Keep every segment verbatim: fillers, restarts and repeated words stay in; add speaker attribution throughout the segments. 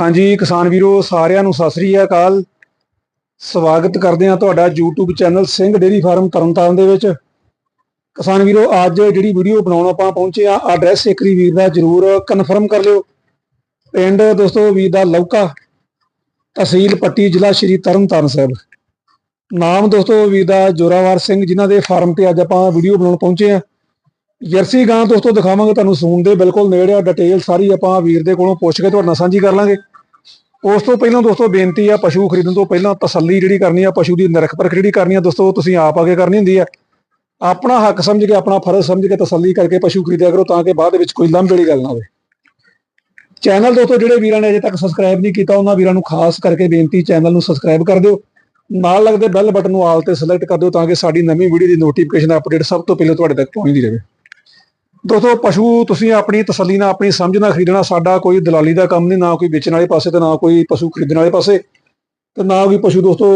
Speaker 1: हाँ जी किसान वीरो सारिਆਂ ਨੂੰ ਸਤਿ ਸ੍ਰੀ ਅਕਾਲ। ਸਵਾਗਤ ਕਰਦੇ ਹਾਂ ਤੁਹਾਡਾ YouTube channel Singh dairy farm Tarn Taran ਦੇ ਵਿੱਚ। ਕਿਸਾਨ ਵੀਰੋ ਅੱਜ ਜਿਹੜੀ ਵੀਡੀਓ ਬਣਾਉਣ ਆਪਾਂ ਪਹੁੰਚੇ ਆ ਐਡਰੈਸ ਇੱਕ ਵਾਰੀ ਵੀਰ ਦਾ ਜ਼ਰੂਰ ਕਨਫਰਮ ਕਰ ਲਿਓ। ਪਿੰਡ ਦੋਸਤੋ ਵੀਰ ਦਾ ਲੌਕਾ, ਤਹਿਸੀਲ ਪੱਟੀ, ਜ਼ਿਲ੍ਹਾ ਸ਼੍ਰੀ ਤਰਨਤਾਰਨ ਸਾਹਿਬ। ਨਾਮ ਦੋਸਤੋ ਵੀਰ ਦਾ ਜੋਰਾਵਰ ਸਿੰਘ, ਜਿਨ੍ਹਾਂ ਦੇ ਫਾਰਮ ਤੇ ਅੱਜ ਆਪਾਂ ਵੀਡੀਓ ਬਣਾਉਣ ਪਹੁੰਚੇ ਆ। ਜਰਸੀ ਗਾਂ ਦੋਸਤੋ ਦਿਖਾਵਾਂਗੇ ਤੁਹਾਨੂੰ, ਸੂਣ ਦੇ ਬਿਲਕੁਲ ਨੇੜੇ ਆ। ਡਿਟੇਲ ਸਾਰੀ ਆਪਾਂ ਵੀਰ ਦੇ ਕੋਲੋਂ ਪੁੱਛ ਕੇ ਤੁਹਾਡੇ ਨਾਲ ਸਾਂਝੀ ਕਰ ਲਾਂਗੇ। ਉਸ ਤੋਂ ਪਹਿਲਾਂ ਦੋਸਤੋ ਬੇਨਤੀ ਆ, ਪਸ਼ੂ ਖਰੀਦਣ ਤੋਂ ਪਹਿਲਾਂ ਤਸੱਲੀ ਜਿਹੜੀ ਕਰਨੀ ਆ, ਪਸ਼ੂ ਦੀ ਨਿਰਖ ਪਰਖ ਜਿਹੜੀ ਕਰਨੀ ਆ ਦੋਸਤੋ ਤੁਸੀਂ ਆਪ ਆ ਕੇ ਕਰਨੀ ਹੁੰਦੀ ਆ। ਆਪਣਾ ਹੱਕ ਸਮਝ ਕੇ, ਆਪਣਾ ਫਰਜ਼ ਸਮਝ ਕੇ ਤਸੱਲੀ ਕਰਕੇ ਪਸ਼ੂ ਖਰੀਦਿਆ ਕਰੋ, ਤਾਂ ਕਿ ਬਾਅਦ ਵਿੱਚ ਕੋਈ ਲਾਂਭੇ ਵਾਲੀ ਗੱਲ ਨਾ ਹੋਵੇ। ਚੈਨਲ ਦੋਸਤੋ ਜਿਹੜੇ ਵੀਰਾਂ ਨੇ ਅਜੇ ਤੱਕ ਸਬਸਕ੍ਰਾਈਬ ਨਹੀਂ ਕੀਤਾ, ਉਹਨਾਂ ਵੀਰਾਂ ਨੂੰ ਖਾਸ ਕਰਕੇ ਬੇਨਤੀ, ਚੈਨਲ ਨੂੰ ਸਬਸਕ੍ਰਾਈਬ ਕਰ ਦਿਓ। ਨਾਲ ਲੱਗਦੇ ਬੈਲ ਬਟਨ ਨੂੰ ਆਲ ਤੇ ਸਿਲੈਕਟ ਕਰ ਦਿਓ, ਤਾਂ ਕਿ ਸਾਡੀ ਨਵੀਂ ਵੀਡੀਓ ਦੀ ਨੋਟੀਫਿਕੇਸ਼ਨ ਅਪਡੇਟ ਸਭ ਤੋਂ ਪਹਿਲਾਂ ਤੁਹਾਡੇ ਤੱਕ ਪਹੁੰਚਦੀ ਰਹੇ। ਦੋਸਤੋ ਪਸ਼ੂ ਤੁਸੀਂ ਆਪਣੀ ਤਸੱਲੀ ਨਾਲ, ਆਪਣੀ ਸਮਝ ਨਾਲ ਖਰੀਦਣਾ। ਸਾਡਾ ਕੋਈ ਦਲਾਲੀ ਦਾ ਕੰਮ ਨਹੀਂ, ਨਾ ਕੋਈ ਵੇਚਣ ਵਾਲੇ ਪਾਸੇ ਤੇ ਨਾ ਕੋਈ ਪਸ਼ੂ ਖਰੀਦਣ ਵਾਲੇ ਪਾਸੇ, ਤੇ ਨਾ ਕੋਈ ਪਸ਼ੂ ਦੋਸਤੋ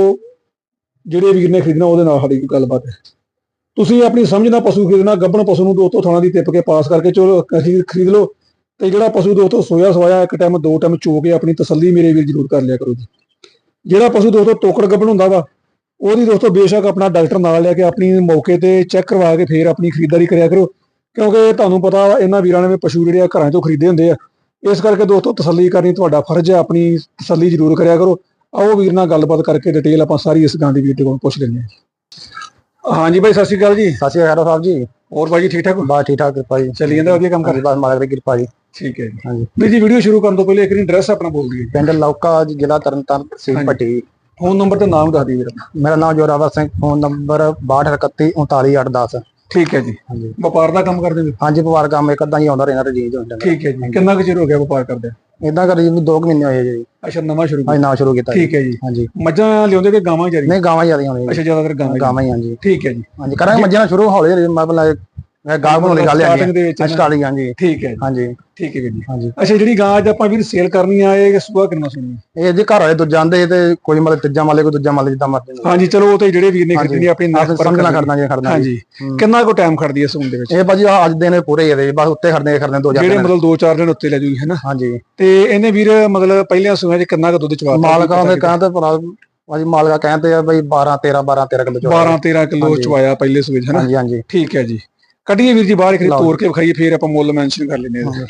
Speaker 1: ਜਿਹੜੇ ਵੀਰ ਨੇ ਖਰੀਦਣਾ ਉਹਦੇ ਨਾਲ ਸਾਡੀ ਕੋਈ ਗੱਲਬਾਤ ਹੈ। ਤੁਸੀਂ ਆਪਣੀ ਸਮਝ ਨਾਲ ਪਸ਼ੂ ਖਰੀਦਣਾ। ਗੱਭਣ ਪਸ਼ੂ ਨੂੰ ਦੋਸਤੋ ਥਾਣਾ ਦੀ ਟਿੱਪ ਕੇ ਪਾਸ ਕਰਕੇ ਚਲੋ ਖਰੀਦ ਲਓ, ਤੇ ਜਿਹੜਾ ਪਸ਼ੂ ਦੋਸਤੋ ਸੋਇਆ ਸਵਾਇਆ ਇੱਕ ਟਾਈਮ ਦੋ ਟਾਈਮ ਚੋ ਕੇ ਆਪਣੀ ਤਸੱਲੀ ਮੇਰੇ ਵੀਰ ਜ਼ਰੂਰ ਕਰ ਲਿਆ ਕਰੋ ਜੀ। ਜਿਹੜਾ ਪਸ਼ੂ ਦੋਸਤੋ ਤੋਕੜ ਗੱਭਣ ਹੁੰਦਾ ਵਾ, ਉਹਦੀ ਦੋਸਤੋ ਬੇਸ਼ੱਕ ਆਪਣਾ ਡਾਕਟਰ ਨਾਲ ਲੈ ਕੇ ਆਪਣੀ ਮੌਕੇ ਤੇ ਚੈੱਕ ਕਰਵਾ ਕੇ ਫਿਰ ਆਪਣੀ ਖਰੀਦਦਾਰੀ ਕਰਿਆ ਕਰੋ, ਕਿਉਂਕਿ ਤੁਹਾਨੂੰ ਪਤਾ ਇਹਨਾਂ ਵੀਰਾਂ ਨੇ ਪਸ਼ੂ ਜਿਹੜੇ ਆ ਘਰਾਂ ਚੋਂ ਖਰੀਦੇ ਹੁੰਦੇ ਆ। ਇਸ ਕਰਕੇ ਦੋਸਤੋ ਤਸੱਲੀ ਕਰਨੀ ਤੁਹਾਡਾ ਫਰਜ਼ ਹੈ, ਆਪਣੀ ਤਸੱਲੀ ਜ਼ਰੂਰ ਕਰਿਆ ਕਰੋ। ਆਓ ਵੀਰ ਨਾਲ ਗੱਲਬਾਤ ਕਰਕੇ ਡਿਟੇਲ ਆਪਾਂ ਸਾਰੀ ਇਸ ਗਾਂ ਦੀ ਵੀਰ ਦੇ ਕੋਲ ਪੁੱਛ ਲੈਂਦੇ ਹਾਂ। ਹਾਂਜੀ ਬਾਈ ਸਤਿ ਸ਼੍ਰੀ ਅਕਾਲ ਜੀ।
Speaker 2: ਸਤਿ ਸ਼੍ਰੀ ਅਕਾਲ ਸਾਹਿਬ ਜੀ।
Speaker 1: ਹੋਰ ਬਾਈ ਜੀ ਠੀਕ ਠਾਕ?
Speaker 2: ਬਸ ਠੀਕ ਠਾਕ ਕਿਰਪਾ ਜੀ,
Speaker 1: ਚੱਲੀ ਜਾਂਦਾ ਵਧੀਆ ਕੰਮ ਕਰ
Speaker 2: ਬਸ ਮਾਲਕ ਦੀ ਕਿਰਪਾ ਜੀ।
Speaker 1: ਠੀਕ ਹੈ ਜੀ।
Speaker 2: ਹਾਂਜੀ
Speaker 1: ਵੀਰ ਜੀ ਵੀਡੀਓ ਸ਼ੁਰੂ ਕਰਨ ਤੋਂ ਪਹਿਲੇ ਇੱਕ ਵਾਰੀ ਐਡਰੈਸ ਆਪਣਾ ਬੋਲ ਦਈਏ।
Speaker 2: ਪਿੰਡ ਲੌਕਾ, ਜ਼ਿਲ੍ਹਾ ਤਰਨਤਾਰਨ, ਤਹਿਸੀਲ ਪੱਟੀ।
Speaker 1: ਫੋਨ ਨੰਬਰ ਤੇ ਨਾਮ ਦੱਸ ਦਿਓ ਵੀਰ।
Speaker 2: ਮੇਰਾ ਨਾਮ ਜੋਰਾਵਰ ਸਿੰਘ, ਫੋਨ ਨੰਬਰ ਬਾਹਠ ਇਕੱਤੀ ਉਨਤਾਲੀ ਅੱਠ ਦਸ।
Speaker 1: ਠੀਕ ਹੈ ਜੀ।
Speaker 2: ਹਾਂਜੀ
Speaker 1: ਵਪਾਰ ਦਾ ਕੰਮ ਕਰਦੇ ਹੋ?
Speaker 2: ਹਾਂਜੀ ਵਪਾਰ ਕੰਮ ਇੱਕ ਅੱਧਾ ਹੀ ਆਉਂਦਾ ਰਹਿੰਦਾ ਰਜੀਜ ਹੁੰਦਾ।
Speaker 1: ਠੀਕ ਹੈ ਜੀ। ਕਿੰਨਾ ਕੁ ਚਿਰ ਹੋ ਗਿਆ ਵਪਾਰ ਕਰਦੇ?
Speaker 2: ਇਦਾਂ ਕਰੀ ਜੀ ਦੋ ਕੁ ਮਹੀਨੇ ਹੋਏ ਜੀ।
Speaker 1: ਅੱਛਾ ਨਵਾਂ ਸ਼ੁਰੂ?
Speaker 2: ਹਾਂਜੀ ਨਵਾਂ ਸ਼ੁਰੂ ਕੀਤਾ।
Speaker 1: ਠੀਕ ਹੈ ਜੀ।
Speaker 2: ਹਾਂਜੀ
Speaker 1: ਮੱਝਾਂ ਲਿਆਉਂਦੇ ਕਿ ਗਾਵਾਂ ਜਾਰੀ?
Speaker 2: ਨਹੀਂ ਗਾਵਾਂ ਜ਼ਿਆਦਾ ਆਉਂਦੀਆਂ।
Speaker 1: ਅੱਛਾ ਜ਼ਿਆਦਾਤਰ ਗਾਵਾਂ
Speaker 2: ਗਾਵਾਂ ਹੀ। ਹਾਂਜੀ
Speaker 1: ਠੀਕ ਹੈ ਜੀ।
Speaker 2: ਹਾਂਜੀ ਕਰਾਂਗੇ ਮੱਝਾਂ ਸ਼ੁਰੂ ਹੌਲੀ ਹੌਲੀ, ਮਤਲਬ ਗਾਹ ਬਣਾਉਣ ਦੀ ਗੱਲ ਹੈ ਸਟਾਰਟਿੰਗ। ਹਾਂਜੀ
Speaker 1: ਠੀਕ ਹੈ
Speaker 2: ਹਾਂਜੀ
Speaker 1: ਠੀਕ ਹੈ ਵੀਰ ਜੀ।
Speaker 2: ਹਾਂਜੀ
Speaker 1: ਅੱਛਾ ਜਿਹੜੀ ਗਾਂ ਅੱਜ ਆਪਾਂ ਵੀਰ ਸੇਲ ਕਰਨੀ ਆ, ਇਹ ਸੂਆ ਕਿੰਨਾ ਸੁਣੀ?
Speaker 2: ਇਹ ਜੀ ਘਰ ਵਾਲੇ ਦੂਜਾ ਆਂਦੇ ਤੇ ਕੋਈ ਮਤਲਬ ਤੀਜਾ ਮਾਲੇ, ਕੋਈ ਦੂਜਾ ਮਾਲੇ, ਜਿੱਦਾਂ ਮਰਜ਼ੀ।
Speaker 1: ਹਾਂਜੀ ਚਲੋ ਉਹ ਤੇ ਜਿਹੜੇ ਵੀਰ ਨੇ ਖਰੀਦਣੀ ਆਪਣੀ
Speaker 2: ਸਮਝਣਾ ਖੜਨਾ ਜੀ ਖੜਨਾ।
Speaker 1: ਹਾਂਜੀ ਕਿੰਨਾ ਕੁ ਟਾਈਮ ਖੜਦੀ ਹੈ ਸੂਣ ਦੇ ਵਿੱਚ?
Speaker 2: ਇਹ ਭਾਜੀ ਅੱਜ ਦਿਨ ਪੂਰੇ ਹੀ ਬਸ ਉੱਤੇ ਖੜਨੇ ਖੜਨੇ ਦੋ ਚਾਰ
Speaker 1: ਜਿਹੜੇ ਮਤਲਬ ਦੋ ਚਾਰ ਦਿਨ ਉੱਤੇ ਲੈ ਜੂਗੀ ਹੈ ਨਾ।
Speaker 2: ਹਾਂਜੀ ਤੇ
Speaker 1: ਇਹਨੇ ਵੀਰ ਮਤਲਬ ਪਹਿਲਿਆਂ ਸੂਆਂ 'ਚ ਕਿੰਨਾ ਕੁ ਦੁੱਧ ਚਵਾ?
Speaker 2: ਮਾਲਕਾਂ ਦੇ ਕਹਿੰਦੇ ਭਰਾ ਭਾਜੀ, ਮਾਲਕਾ ਕਹਿੰਦੇ ਆ ਬਈ ਬਾਰਾਂ ਤੇਰਾਂ ਬਾਰਾਂ ਤੇਰਾਂ ਕਿਲੋ
Speaker 1: ਬਾਰਾਂ ਤੇਰਾਂ ਕਿਲੋ ਚਵਾਇਆ ਪਹਿਲੇ ਸੂਏ 'ਚ ਹੈ ਨਾ।
Speaker 2: ਹਾਂਜੀ ਹਾਂਜੀ
Speaker 1: ਠੀਕ ਹੈ ਜੀ। ਕੱਢੀਏ ਵੀਰ ਜੀ ਬਾਹਰ, ਇੱਕ ਤੋੜ ਕੇ ਵਿਖਾਈਏ, ਫਿਰ ਆਪਾਂ ਮੁੱਲ ਮੈਂਸ਼ਨ ਕਰ ਲੈਂਦੇ ਹਾਂ।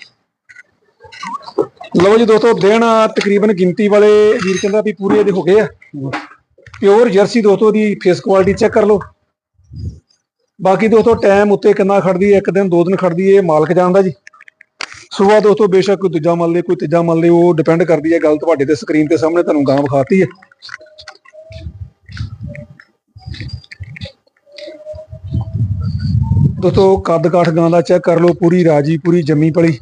Speaker 1: ਲਓ ਜੀ ਦੋਸਤੋ ਦਿਨ ਤਕਰੀਬਨ ਗਿਣਤੀ ਵਾਲੇ ਵੀਰ ਕਹਿੰਦਾ ਵੀ ਪੂਰੇ ਇਹਦੇ ਹੋ ਗਏ ਆ। ਪਿਓਰ ਜਰਸੀ ਦੋਸਤੋ ਦੀ ਫੇਸ ਕੁਆਲਿਟੀ ਚੈੱਕ ਕਰ ਲਓ। ਬਾਕੀ ਦੋਸਤੋ ਟਾਈਮ ਉੱਤੇ ਕਿੰਨਾ ਖੜਦੀ ਹੈ, ਇੱਕ ਦਿਨ ਦੋ ਦਿਨ ਖੜਦੀ ਹੈ, ਮਾਲਕ ਜਾਣਦਾ ਜੀ। ਸੁਬਾਹ ਦੋਸਤੋ ਬੇਸ਼ੱਕ ਕੋਈ ਦੂਜਾ ਮੰਨ ਲੇ, ਕੋਈ ਤੀਜਾ ਮੰਨ ਲੇ, ਉਹ ਡਿਪੈਂਡ ਕਰਦੀ ਹੈ। ਗੱਲ ਤੁਹਾਡੇ ਤੇ ਸਕਰੀਨ ਤੇ ਸਾਹਮਣੇ ਤੁਹਾਨੂੰ ਗਾਂ ਵਿਖਾਤੀ ਹੈ। ਦੋਸਤੋ ਕੱਦ ਕਾਠ ਗਾਂ ਦਾ ਚੈੱਕ ਕਰ ਲਓ, ਪੂਰੀ ਰਾਜੀ, ਪੂਰੀ ਜੰਮੀ ਪਲੀ।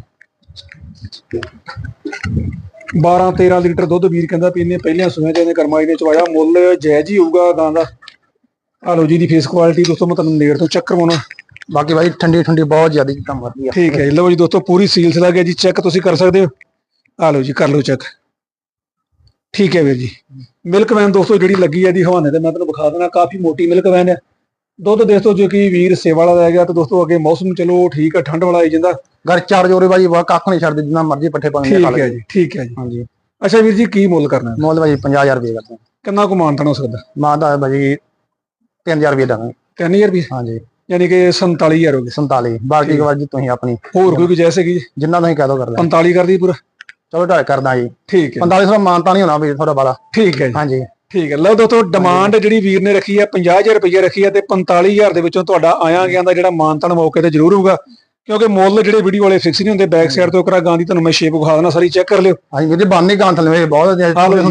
Speaker 1: ਬਾਰਾਂ ਤੇਰਾਂ ਲੀਟਰ ਦੁੱਧ ਵੀਰ ਕਹਿੰਦਾ ਵੀ ਇਹਨੇ ਪਹਿਲਿਆਂ ਸੂਆਂ 'ਚ ਇਹਨੇ ਕਰਮਾਈ ਨੇ ਚਵਾਇਆ। ਮੁੱਲ ਜਾਇਜ਼ ਹੀ ਹੋਊਗਾ ਗਾਂ ਦਾ। ਆ ਲਓ ਜੀ ਦੀ ਫੇਸ ਕੁਆਲਿਟੀ ਦੋਸਤੋ ਮੈਂ ਤੁਹਾਨੂੰ ਨੇੜ ਤੋਂ ਚੈੱਕ ਕਰਵਾਉਣਾ।
Speaker 2: ਬਾਕੀ ਭਾਈ ਠੰਡੀ ਠੰਡੀ ਬਹੁਤ ਜ਼ਿਆਦਾ ਕੰਮ ਕਰਦੀ ਆ।
Speaker 1: ਠੀਕ ਹੈ ਜੀ। ਲਓ ਜੀ ਦੋਸਤੋ ਪੂਰੀ ਸੀਲਸ ਲੱਗ ਗਿਆ ਜੀ, ਚੈੱਕ ਤੁਸੀਂ ਕਰ ਸਕਦੇ ਹੋ। ਆ ਲਓ ਜੀ ਕਰ ਲਓ ਚੈੱਕ। ਠੀਕ ਹੈ ਵੀਰ ਜੀ। ਮਿਲਕ ਵੈਨ ਦੋਸਤੋ ਜਿਹੜੀ ਲੱਗੀ ਹੈ ਜੀ ਹਵਾਨੇ ਤੇ ਮੈਂ ਤੁਹਾਨੂੰ ਵਿਖਾ ਦੇਣਾ, ਕਾਫੀ ਮੋਟੀ ਮਿਲਕ ਵੈਨ ਹੈ। ਦੁੱਧ ਦੋਸਤੋ ਜੋ ਕਿ ਵੀਰ ਸੇਵਾ ਵਾਲਾ ਰਹਿ ਗਿਆ, ਤੇ ਦੋਸਤੋ ਅੱਗੇ ਮੌਸਮ ਚਲੋ ਠੀਕ ਹੈ, ਠੰਡ ਵਾਲਾ ਆਈ ਜਾਂਦਾ।
Speaker 2: ਘਰ ਚਾਰ ਜੋਰੇ ਬਾਜੀ ਵਾ ਕੱਖ ਨਹੀਂ ਛੱਡਦੇ, ਜਿੰਨਾ ਮਰਜ਼ੀ ਪੱਠੇ ਪਾਉਂਦੇ।
Speaker 1: ਠੀਕ ਹੈ ਜੀ ਠੀਕ ਹੈ ਜੀ।
Speaker 2: ਹਾਂਜੀ
Speaker 1: ਅੱਛਾ ਵੀਰ ਜੀ ਕੀ ਮੁੱਲ ਕਰਨਾ?
Speaker 2: ਮੁੱਲ ਭਾਜੀ ਪੰਜਾਹ ਹਜ਼ਾਰ ਰੁਪਏ ਕਰਦੇ।
Speaker 1: ਕਿੰਨਾ ਕੁ ਮਾਨਤਾਨ ਹੋ ਸਕਦਾ?
Speaker 2: ਮਾਂ ਦਾ ਭਾਜੀ ਤਿੰਨ ਹਜ਼ਾਰ ਰੁਪਏ ਦਾਂਗੇ।
Speaker 1: ਤਿੰਨ ਹਜ਼ਾਰ ਰੁਪਏ?
Speaker 2: ਹਾਂਜੀ
Speaker 1: ਯਾਨੀ ਕਿ ਸੰਤਾਲੀ ਹਜ਼ਾਰ ਹੋ ਗਏ।
Speaker 2: ਸੰਤਾਲੀ। ਬਾਕੀ ਜੀ ਤੁਸੀਂ ਆਪਣੀ
Speaker 1: ਹੋਰ ਕੋਈ ਗੁੰਜਾਇਸ਼ ਹੈਗੀ ਜੀ?
Speaker 2: ਜਿੰਨਾ ਤੁਸੀਂ ਕਹਿ ਦੋ ਕਰ ਲੈ।
Speaker 1: ਪੰਤਾਲੀ ਕਰਦੀ ਪੂਰਾ?
Speaker 2: ਚਲੋ ਢਾਈ ਕਰਦਾ ਜੀ।
Speaker 1: ਠੀਕ ਹੈ।
Speaker 2: ਪੰਤਾਲੀ ਸੌ ਮਾਨਤਾ ਨਹੀਂ ਹੋਣਾ ਵੀ ਥੋੜਾ ਬਾਲਾ।
Speaker 1: ਠੀਕ ਹੈ ਜੀ।
Speaker 2: ਹਾਂਜੀ
Speaker 1: ਠੀਕ ਹੈ। ਲਓ ਦੋਸਤੋ ਡਿਮਾਂਡ ਜਿਹੜੀ ਵੀਰ ਨੇ ਰੱਖੀ ਹੈ ਪੰਜਾਹ ਹਜ਼ਾਰ ਰੁਪਏ ਰੱਖੀ ਹੈ, ਤੇ ਪੰਤਾਲੀ ਹਜ਼ਾਰ ਦੇ ਵਿੱਚੋਂ ਤੁਹਾਡਾ ਆਇਆ ਗਿਆ ਦਾ ਜਿਹੜਾ ਮਾਨਤਾਨ ਮੌਕੇ ਤੇ ਜ਼ਰੂਰ ਹੋਊਗਾ, ਕਿਉਂਕਿ ਮੁੱਲ ਜਿਹੜੇ ਵੀਡੀਓ ਵਾਲੇ ਫਿਕਸ ਨਹੀਂ ਹੁੰਦੇ। ਬੈਕ ਸਾਈਡ ਤੋਂ ਕਰਾ ਗਾਂ ਦੀ ਤੁਹਾਨੂੰ ਮੈਂ ਸ਼ੇਪ ਵਿਖਾ ਦੇਣਾ, ਸਾਰੀ ਚੈੱਕ ਕਰ ਲਿਓ।
Speaker 2: ਹਾਂਜੀ ਇਹਦੇ ਬਾਨੇ ਗਾਂ ਥੱਲੇ ਬਹੁਤ
Speaker 1: ਹਾਂਜੀ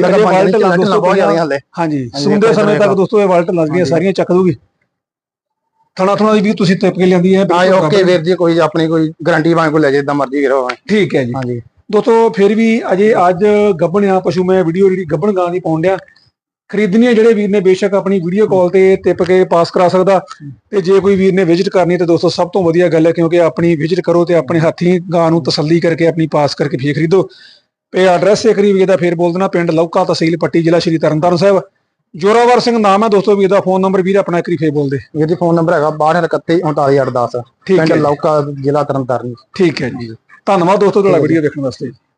Speaker 1: ਸੁਣਦੇ ਸਮੇਂ ਤੱਕ ਦੋਸਤੋ ਇਹ ਵਾਲਟ ਲੱਗ ਗਈਆਂ ਸਾਰੀਆਂ, ਚੱਕ ਦੂਗੀ। ਥਣਾ ਥਣਾ ਦੀ ਵੀ ਤੁਸੀਂ ਟਿਪ ਕੇ ਲਿਆਂਦੀ ਹੈ।
Speaker 2: ਓਕੇ ਵੀਰ ਜੀ, ਕੋਈ ਆਪਣੀ ਕੋਈ ਗਾਰੰਟੀ ਭਾਵੇਂ ਕੋਈ ਲੈ ਜੇ, ਜਿੱਦਾਂ ਮਰਜ਼ੀ ਕਰੋ।
Speaker 1: ਠੀਕ ਹੈ ਜੀ।
Speaker 2: ਹਾਂਜੀ
Speaker 1: ਦੋਸਤੋ ਫਿਰ ਵੀ ਅਜੇ ਅੱਜ ਗੱਭਣ ਆ ਪਸ਼ੂ ਮੈਂ ਵੀਡੀਓ ਜਿਹੜੀ ਗੱਭਣ ਗਾਂ ਦੀ ਪਾਉਣ ਡਿਆ। ਖਰੀਦਣੀ ਜਿਹੜੇ ਵੀਰ ਨੇ ਬੇਸ਼ੱਕ ਆਪਣੀ ਵੀਡੀਓ ਕਾਲ ਤੇ ਟਿਪ ਕੇ ਪਾਸ ਕਰਾ ਸਕਦਾ, ਤੇ ਜੇ ਕੋਈ ਵੀਰ ਨੇ ਵਿਜ਼ਿਟ ਕਰਨੀ ਤੇ ਦੋਸਤੋ ਸਭ ਤੋਂ ਵਧੀਆ ਗੱਲ ਹੈ, ਕਿਉਂਕਿ ਆਪਣੀ ਵਿਜ਼ਿਟ ਕਰੋ ਤੇ ਆਪਣੇ ਹੱਥੀਂ ਗਾਂ ਨੂੰ ਤਸੱਲੀ ਕਰਕੇ ਆਪਣੀ ਪਾਸ ਕਰਕੇ ਫੇਰ ਖਰੀਦੋ। ਤੇ ਐਡਰੈਸ ਇੱਕ ਵਾਰੀ ਵੀਰ ਦਾ ਫੇਰ ਬੋਲ ਦੇਣਾ, ਪਿੰਡ ਲੌਕਾ, ਤਹਿਸੀਲ ਪੱਟੀ, ਜ਼ਿਲ੍ਹਾ ਸ਼੍ਰੀ ਤਰਨਤਾਰਨ ਸਾਹਿਬ। ਜੋਰਾਵਰ ਸਿੰਘ ਨਾਮ ਹੈ ਦੋਸਤੋ ਵੀਰ ਦਾ। ਫੋਨ ਨੰਬਰ ਵੀਰ ਆਪਣਾ ਇੱਕ ਵਾਰੀ ਫੇਰ ਬੋਲ ਦੇ।
Speaker 2: ਵੀਰ ਜੀ ਫੋਨ ਨੰਬਰ ਹੈਗਾ ਬਾਹਠ ਇਕੱਤੀ ਉਨਤਾਲੀ ਅੱਠ ਦਸ। ਪਿੰਡ ਲੌਕਾ, ਜ਼ਿਲ੍ਹਾ ਤਰਨਤਾਰਨ।
Speaker 1: ਠੀਕ ਹੈ ਜੀ। ਧੰਨਵਾਦ ਦੋਸਤੋ ਤੁਹਾਡਾ ਵੀਡੀਓ ਦੇਖਣ ਵਾਸਤੇ।